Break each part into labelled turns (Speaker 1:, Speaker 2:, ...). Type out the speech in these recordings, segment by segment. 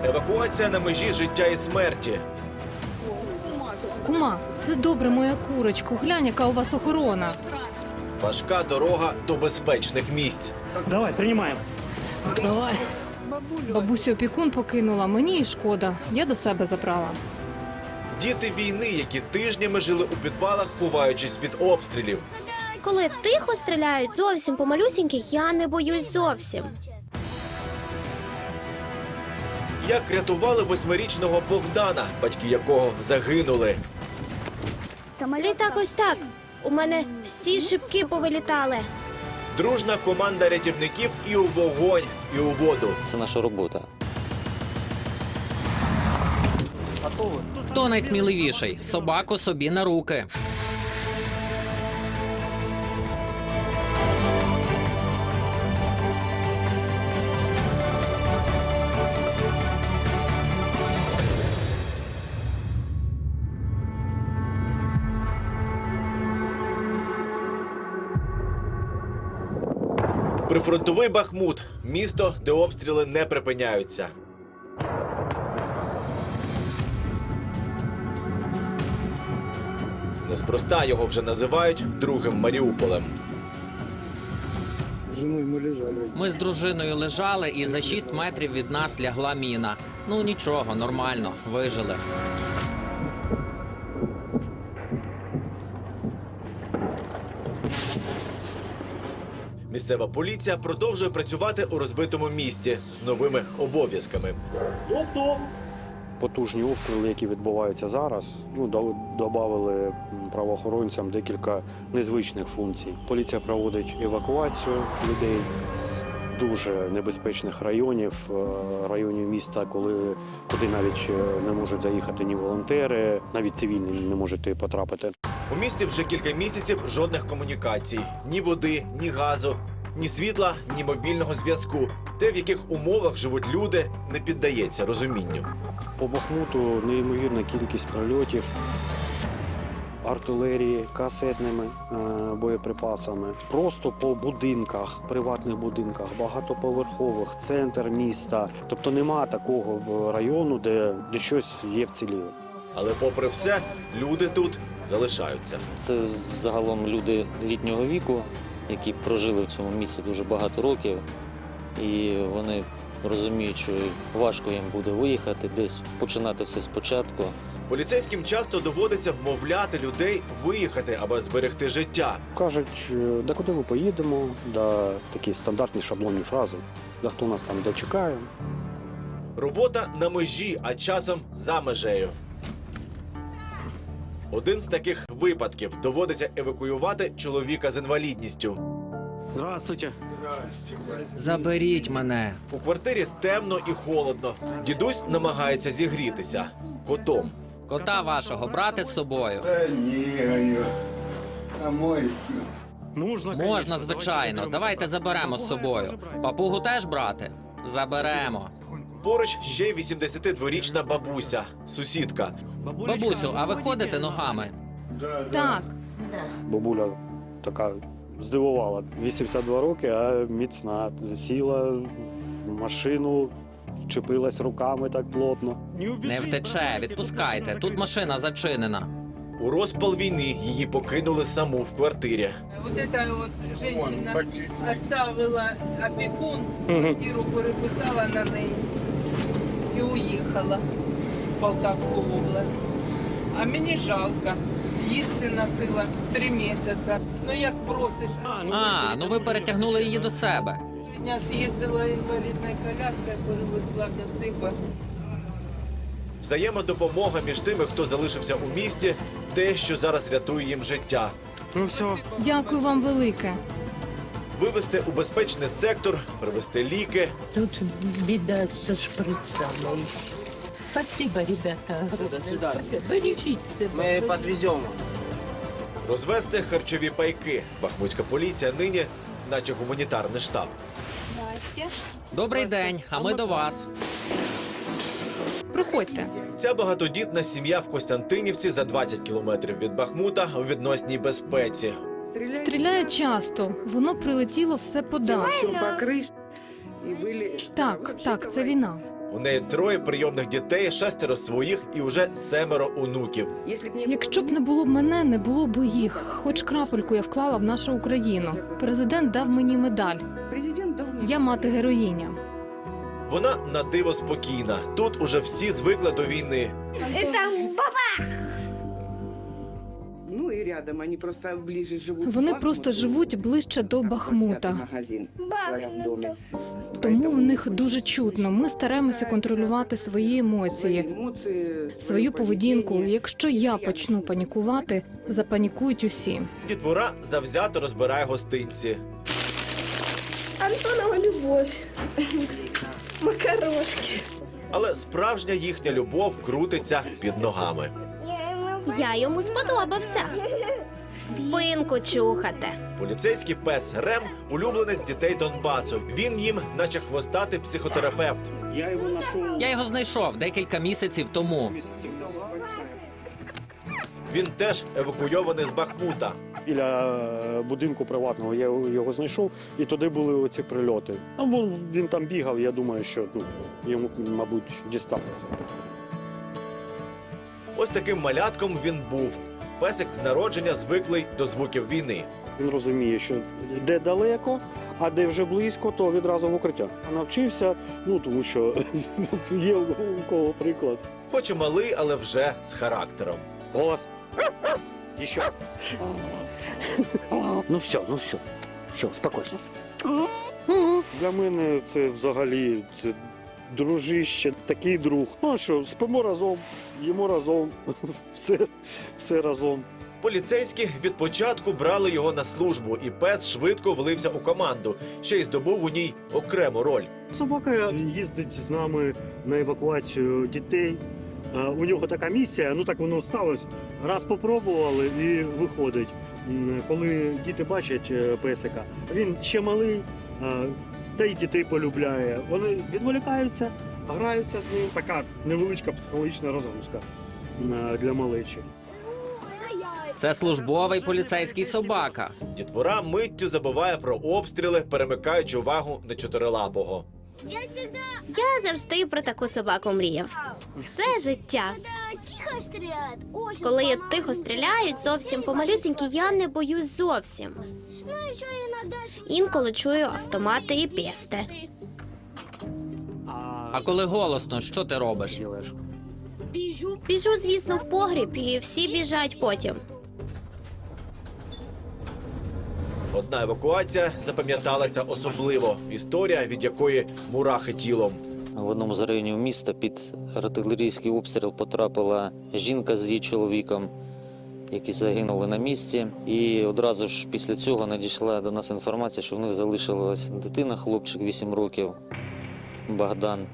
Speaker 1: Евакуація на межі життя і смерті.
Speaker 2: Кума, все добре, моя курочко. Глянь, яка у вас охорона.
Speaker 1: Важка дорога до безпечних місць.
Speaker 3: Давай, приймаємо. Давай.
Speaker 2: Бабусю опікун покинула, мені і шкода. Я до себе забрала.
Speaker 1: Діти війни, які тижнями жили у підвалах, ховаючись від обстрілів.
Speaker 4: Коли тихо стріляють зовсім по малюсіньких, я не боюсь зовсім.
Speaker 1: Як рятували 8-річного Богдана, батьки якого загинули.
Speaker 4: Літак ось так. У мене всі шибки повилітали.
Speaker 1: Дружна команда рятівників і у вогонь, і у воду.
Speaker 5: Це наша робота.
Speaker 6: Хто найсміливіший? Собаку собі на руки.
Speaker 1: Прифронтовий Бахмут – місто, де обстріли не припиняються. Неспроста його вже називають другим Маріуполем.
Speaker 6: Ми з дружиною лежали, і за 6 метрів від нас лягла міна. Ну нічого, нормально, вижили.
Speaker 1: Місцева поліція продовжує працювати у розбитому місті з новими обов'язками.
Speaker 7: Потужні обстріли, які відбуваються зараз, додали правоохоронцям декілька незвичних функцій. Поліція проводить евакуацію людей з дуже небезпечних районів, районів міста, куди навіть не можуть заїхати ні волонтери, навіть цивільні не можуть потрапити.
Speaker 1: У місті вже кілька місяців жодних комунікацій. Ні води, ні газу, ні світла, ні мобільного зв'язку. Те, в яких умовах живуть люди, не піддається розумінню.
Speaker 7: По Бахмуту неймовірна кількість прильотів, артилерії, касетними боєприпасами. Просто по будинках, приватних будинках, багатоповерхових, центр міста. Тобто нема такого району, де щось є вціліло.
Speaker 1: Але попри все, люди тут залишаються.
Speaker 5: Це загалом люди літнього віку, які прожили в цьому місці дуже багато років. І вони розуміють, що важко їм буде виїхати, десь починати все спочатку.
Speaker 1: Поліцейським часто доводиться вмовляти людей виїхати, аби зберегти життя.
Speaker 7: Кажуть, да куди ми поїдемо, да такі стандартні шаблонні фрази, да хто нас там де чекає.
Speaker 1: Робота на межі, а часом за межею. Один з таких випадків – доводиться евакуювати чоловіка з інвалідністю.
Speaker 3: Здравствуйте.
Speaker 6: Заберіть мене.
Speaker 1: У квартирі темно і холодно. Дідусь намагається зігрітися котом.
Speaker 6: Кота вашого брати з собою. Можна, звичайно. Давайте заберемо з собою. Папугу теж брати? Заберемо.
Speaker 1: Поруч ще 82-річна бабуся, сусідка.
Speaker 6: Бабусю, а ви ходите ногами?
Speaker 2: Так,
Speaker 7: Бабуля така здивувала. 82 роки, а міцна. Сіла в машину, вчепилась руками так плотно.
Speaker 6: Не втече, відпускайте. Тут машина зачинена.
Speaker 1: У розпал війни її покинули саму в квартирі.
Speaker 8: Вот эта вот женщина оставила опекун, квартиру переписала на неї і уїхала в Полтавську область. А мені жалко. Їсти носила 3 місяці. Ну як просиш.
Speaker 6: А, ну ви перетягнули її до себе.
Speaker 8: Сьогодні з'їздила інвалідною коляскою, перевезла до себе.
Speaker 1: Взаємодопомога між тими, хто залишився у місті – те, що зараз рятує їм життя.
Speaker 3: Ну все.
Speaker 2: дякую вам велике.
Speaker 1: Вивезти у безпечний сектор, привезти ліки.
Speaker 9: Тут беда со шприцами. Спасибо, ребята. Бережите себя.
Speaker 10: Мы подвезем.
Speaker 1: Розвести харчові пайки. Бахмутська поліція нині наче гуманітарний штаб.
Speaker 6: Добрий день, а ми до вас.
Speaker 2: Приходьте.
Speaker 1: Ця багатодітна сім'я в Костянтинівці за 20 кілометрів від Бахмута у відносній безпеці.
Speaker 2: Стріляють часто. Воно прилетіло все подалі. Так, це війна.
Speaker 1: У неї 3 прийомних дітей, 6 своїх і уже 7 онуків.
Speaker 2: Якщо б не було б мене, не було б їх. Хоч крапельку я вклала в нашу Україну. Президент дав мені медаль. Я мати-героїня.
Speaker 1: Вона на диво спокійна. Тут уже всі звикли до війни.
Speaker 2: Вони просто живуть ближче до Бахмута. Тому в них дуже чутно. Ми стараємося контролювати свої емоції, свою поведінку. Якщо я почну панікувати, запанікують усі.
Speaker 1: Дітвора завзято розбирає гостинці.
Speaker 4: Антонова любов. Макарошки.
Speaker 1: Але справжня їхня любов крутиться під ногами.
Speaker 4: Я йому сподобався. Пинку чухати.
Speaker 1: Поліцейський пес Рем – улюбленець дітей Донбасу. Він їм, наче хвостатий психотерапевт.
Speaker 6: Я його знайшов декілька місяців тому.
Speaker 1: Він теж евакуйований з Бахмута.
Speaker 7: Біля будинку приватного я його знайшов, і туди були оці прильоти. Ну, він там бігав, я думаю, що йому, мабуть, дісталося.
Speaker 1: Ось таким малятком він був. Песик з народження звиклий до звуків війни.
Speaker 7: Він розуміє, що де далеко, а де вже близько, то відразу в укриття. Навчився, тому що є у кого приклад.
Speaker 1: Хоч і малий, але вже з характером.
Speaker 7: Голос. Еще. Ну все, все, спокойно. Для мене це взагалі дружище, такий друг. Ну що, спимо разом, їмо разом, все разом.
Speaker 1: Поліцейські від початку брали його на службу, і пес швидко влився у команду, ще й здобув у ній окрему роль.
Speaker 7: Собака їздить з нами на евакуацію дітей. У нього така місія, так воно сталося. Раз попробували і виходить. Коли діти бачать песика, він ще малий, та й дітей полюбляє. Вони відволікаються, граються з ним. Така невеличка психологічна розгрузка для малечі.
Speaker 6: Це службовий поліцейський собака.
Speaker 1: Дітвора миттю забуває про обстріли, перемикаючи увагу на чотирилапого.
Speaker 4: Я завжди про таку собаку мріяв. Це життя. Коли я тихо стріляють, зовсім помалюсінькі, я не боюсь зовсім. Інколи чую автомати і пісти.
Speaker 6: А коли голосно, що ти робиш?
Speaker 4: Біжу, звісно, в погріб, і всі біжать потім.
Speaker 1: Одна евакуація запам'яталася особливо. Історія, від якої мурахи тілом.
Speaker 5: В одному з районів міста під артилерійський обстріл потрапила жінка з її чоловіком, які загинули на місці. І одразу ж після цього надійшла до нас інформація, що в них залишилась дитина, хлопчик 8 років, Богдан.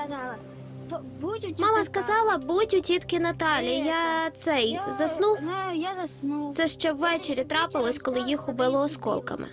Speaker 4: Мама сказала, будь у тітки Наталі. Я заснув.
Speaker 10: Я заснув.
Speaker 4: Це ще ввечері трапилось, коли їх убило осколками.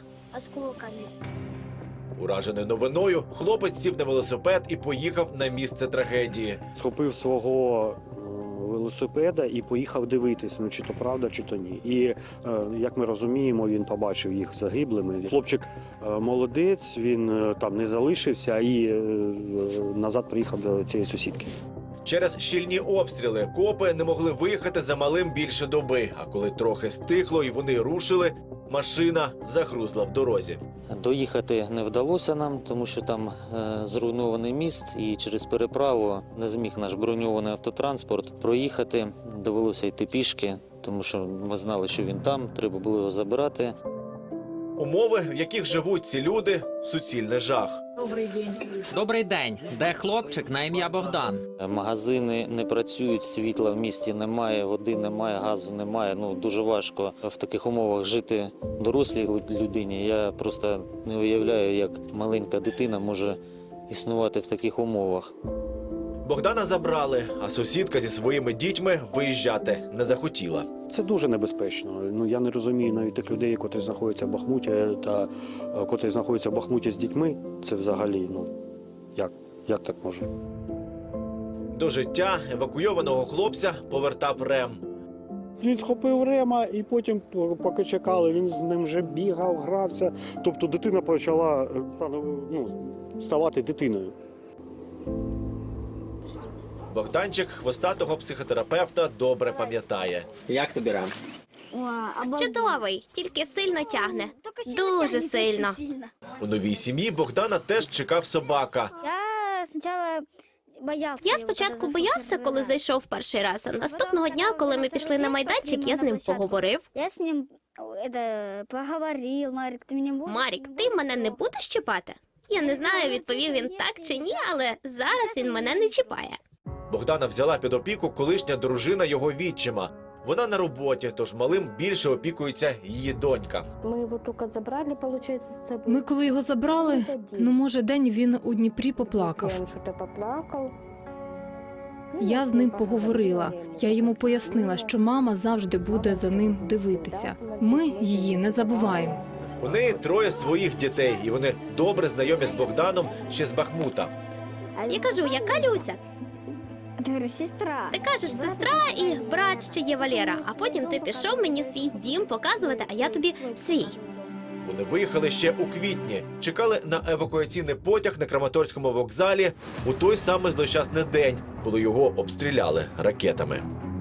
Speaker 1: Уражений новиною, хлопець сів на велосипед і поїхав на місце трагедії.
Speaker 7: Схопив свого велосипеда і поїхав дивитись, чи то правда, чи то ні. І, як ми розуміємо, він побачив їх загиблими. Хлопчик молодець, він там не залишився і назад приїхав до цієї сусідки.
Speaker 1: Через щільні обстріли копи не могли виїхати за малим більше доби. А коли трохи стихло і вони рушили, машина загрузла в дорозі.
Speaker 5: Доїхати не вдалося нам, тому що там зруйнований міст, і через переправу не зміг наш броньований автотранспорт проїхати. Довелося йти пішки, тому що ми знали, що він там, треба було його забирати.
Speaker 1: Умови, в яких живуть ці люди – суцільний жах.
Speaker 6: Добрий день. Де хлопчик на ім'я Богдан?
Speaker 5: Магазини не працюють, світла в місті немає, води немає, газу немає. Дуже важко в таких умовах жити дорослій людині. Я просто не уявляю, як маленька дитина може існувати в таких умовах.
Speaker 1: Богдана забрали, а сусідка зі своїми дітьми виїжджати не захотіла.
Speaker 7: Це дуже небезпечно. Я не розумію навіть тих людей, котрі знаходяться в Бахмуті, та котрі знаходяться в Бахмуті з дітьми. Це взагалі, як так може?
Speaker 1: До життя евакуйованого хлопця повертав Рем.
Speaker 7: Він схопив Рема і потім, поки чекали, він з ним вже бігав, грався. Тобто дитина почала ставати дитиною.
Speaker 1: Богданчик хвостатого психотерапевта добре пам'ятає.
Speaker 6: Як тобі рам?
Speaker 4: Чудовий, тільки сильно тягне. Дуже сильно.
Speaker 1: У новій сім'ї Богдана теж чекав собака.
Speaker 4: Я спочатку боявся, коли зайшов перший раз, а наступного дня, коли ми пішли на майданчик, я з ним поговорив.
Speaker 10: Я с ним поговорил, Марик, ты меня будешь?
Speaker 4: Марік, ти мене не будеш чіпати? Я не знаю, відповів він так чи ні, але зараз він мене не чіпає.
Speaker 1: Богдана взяла під опіку колишня дружина його відчима. Вона на роботі, тож малим більше опікується її донька.
Speaker 10: Мы его только забрали, получается, с собой.
Speaker 2: Ми коли його забрали, ну може день він у Дніпрі поплакав.
Speaker 10: Он что-то поплакал.
Speaker 2: Я з ним поговорила. Я йому пояснила, що мама завжди буде за ним дивитися. Ми її не забуваємо.
Speaker 1: У неї 3 своїх дітей, і вони добре знайомі з Богданом ще з Бахмута.
Speaker 4: Я кажу, яка Люся?
Speaker 10: Ты говоришь, сестра.
Speaker 4: Ти кажеш, сестра і брат ще є Валера, а потім ти пішов мені свій дім показувати, а я тобі свій.
Speaker 1: Вони виїхали ще у квітні, чекали на евакуаційний потяг на Краматорському вокзалі у той самий злощасний день, коли його обстріляли ракетами.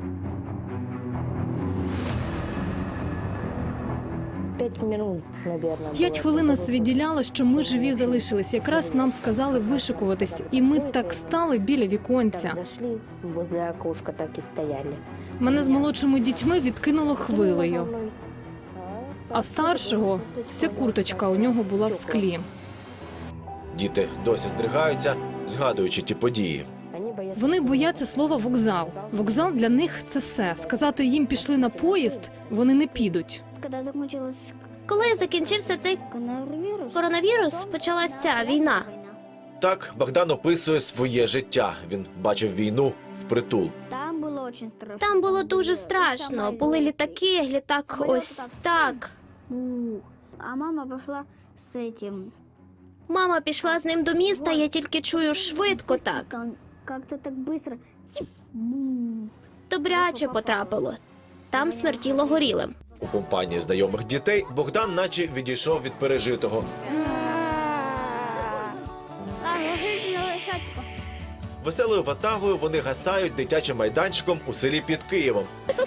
Speaker 10: 5 минут, наверное.
Speaker 2: 5 хвилин нас відділяло, що ми живі залишились. Якраз нам сказали вишикуватись, і ми так стали біля віконця.
Speaker 10: Зашли, возле окошка так и стояли.
Speaker 2: Мене з молодшими дітьми відкинуло хвилею, а старшого вся курточка у нього була в склі.
Speaker 1: Діти досі здригаються, згадуючи ті події.
Speaker 2: Вони бояться слова «вокзал». Вокзал для них – це все. Сказати їм «пішли на поїзд» – вони не підуть.
Speaker 10: Когда закончилась
Speaker 4: Коли закінчився цей коронавірус, почалась ця війна.
Speaker 1: Так Богдан описує своє життя. Він бачив війну впритул.
Speaker 10: Там было очень страшно.
Speaker 4: Там було дуже страшно. Були літаки, літак ось так.
Speaker 10: А мама пошла с этим.
Speaker 4: Мама пішла з ним до міста, я тільки чую швидко так.
Speaker 10: Там как-то так быстро.
Speaker 4: Добряче потрапило. Там смертіло горілим.
Speaker 1: У компанії знайомих дітей Богдан наче відійшов від пережитого. Веселою ватагою вони гасають дитячим майданчиком у селі під Києвом,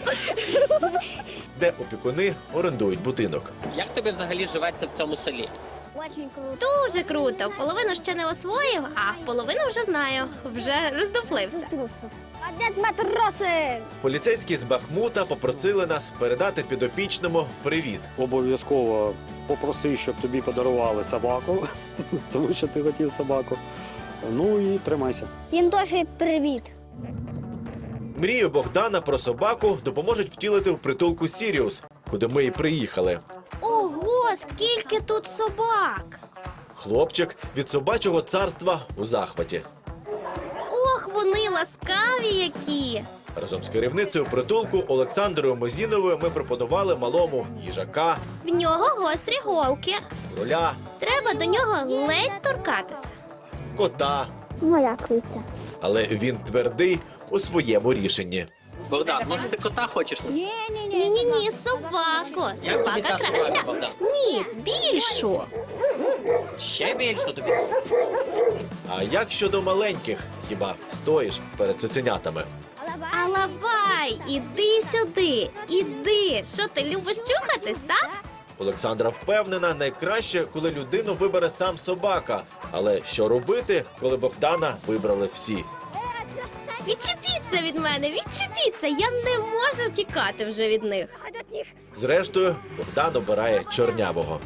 Speaker 1: де опікуни орендують будинок.
Speaker 6: Як тобі взагалі живеться в цьому селі?
Speaker 10: Очень круто.
Speaker 4: Дуже круто. Половину ще не освоїв, а половину вже знаю. Вже роздуплився.
Speaker 10: Опять матросы!
Speaker 1: Поліцейські з Бахмута попросили нас передати підопічному привіт.
Speaker 7: Обов'язково попроси, щоб тобі подарували собаку, тому що ти хотів собаку. Ну і тримайся.
Speaker 10: Їм теж привіт.
Speaker 1: Мрію Богдана про собаку допоможуть втілити в притулку Сіріус, куди ми і приїхали.
Speaker 4: Ого, скільки тут собак!
Speaker 1: Хлопчик від собачого царства у захваті.
Speaker 4: Ох, вони ласкаві які!
Speaker 1: Разом з керівницею притулку Олександрою Мозіновою ми пропонували малому їжака,
Speaker 4: В нього гострі голки.
Speaker 1: кроля,
Speaker 4: Треба до нього ледь торкатися.
Speaker 1: кота.
Speaker 10: Моя криця.
Speaker 1: Але він твердий у своєму рішенні.
Speaker 6: Богдан, може ти кота хочеш?
Speaker 4: Ні-ні-ні, собаку.
Speaker 6: Як тобі
Speaker 4: Собака
Speaker 6: ця собака,
Speaker 4: краща.
Speaker 6: Богдан?
Speaker 4: Ні, більшу.
Speaker 6: Ще більше тобі.
Speaker 1: А як щодо маленьких? Хіба встоїш перед цуценятами?
Speaker 4: Алабай, іди сюди, іди. Що ти любиш чухатись, так?
Speaker 1: Олександра впевнена, найкраще, коли людину вибере сам собака. Але що робити, коли Богдана вибрали всі?
Speaker 4: Відчепіться від мене, відчепіться. Я не можу втікати вже від них.
Speaker 1: Зрештою, Богдан обирає чорнявого.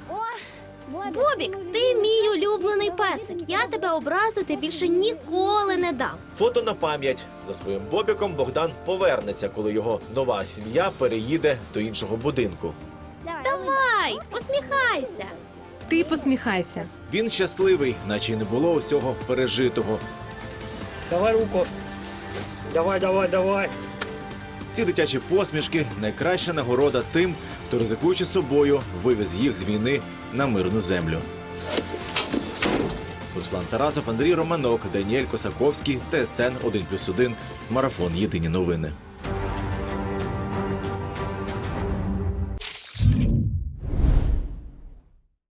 Speaker 4: Бобік, ти мій улюблений песик. Я тебе образити більше ніколи не дам.
Speaker 1: Фото на пам'ять. За своїм Бобіком Богдан повернеться, коли його нова сім'я переїде до іншого будинку.
Speaker 4: Давай, посміхайся.
Speaker 2: Ти посміхайся.
Speaker 1: Він щасливий, наче й не було усього пережитого.
Speaker 3: Давай руку. Давай, давай, давай.
Speaker 1: Ці дитячі посмішки – найкраща нагорода тим, хто, ризикуючи собою, вивез їх з війни на мирну землю. Руслан Тарасов, Андрій Романок, Даніель Косаковський, ТСН 1+1, Марафон. Єдині новини.